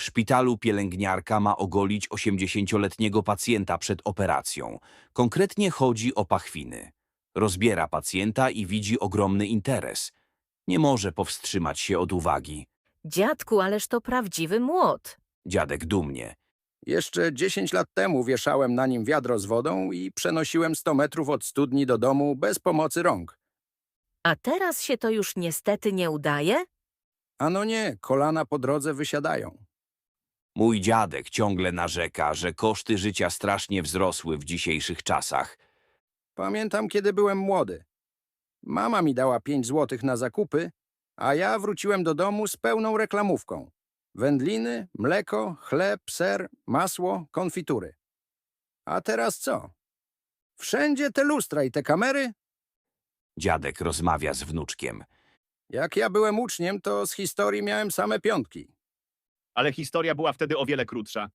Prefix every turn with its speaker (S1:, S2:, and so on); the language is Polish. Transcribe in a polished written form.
S1: szpitalu pielęgniarka ma ogolić 80-letniego pacjenta przed operacją. Konkretnie chodzi o pachwiny. Rozbiera pacjenta i widzi ogromny interes. Nie może powstrzymać się od uwagi.
S2: Dziadku, ależ to prawdziwy młot.
S1: Dziadek dumnie.
S3: Jeszcze 10 lat temu wieszałem na nim wiadro z wodą i przenosiłem 100 metrów od studni do domu bez pomocy rąk.
S2: A teraz się to już niestety nie udaje?
S3: Ano nie, kolana po drodze wysiadają.
S1: Mój dziadek ciągle narzeka, że koszty życia strasznie wzrosły w dzisiejszych czasach.
S3: Pamiętam, kiedy byłem młody. Mama mi dała 5 złotych na zakupy, a ja wróciłem do domu z pełną reklamówką. Wędliny, mleko, chleb, ser, masło, konfitury. A teraz co? Wszędzie te lustra i te kamery?
S1: Dziadek rozmawia z wnuczkiem.
S3: Jak ja byłem uczniem, to z historii miałem same piątki.
S4: Ale historia była wtedy o wiele krótsza.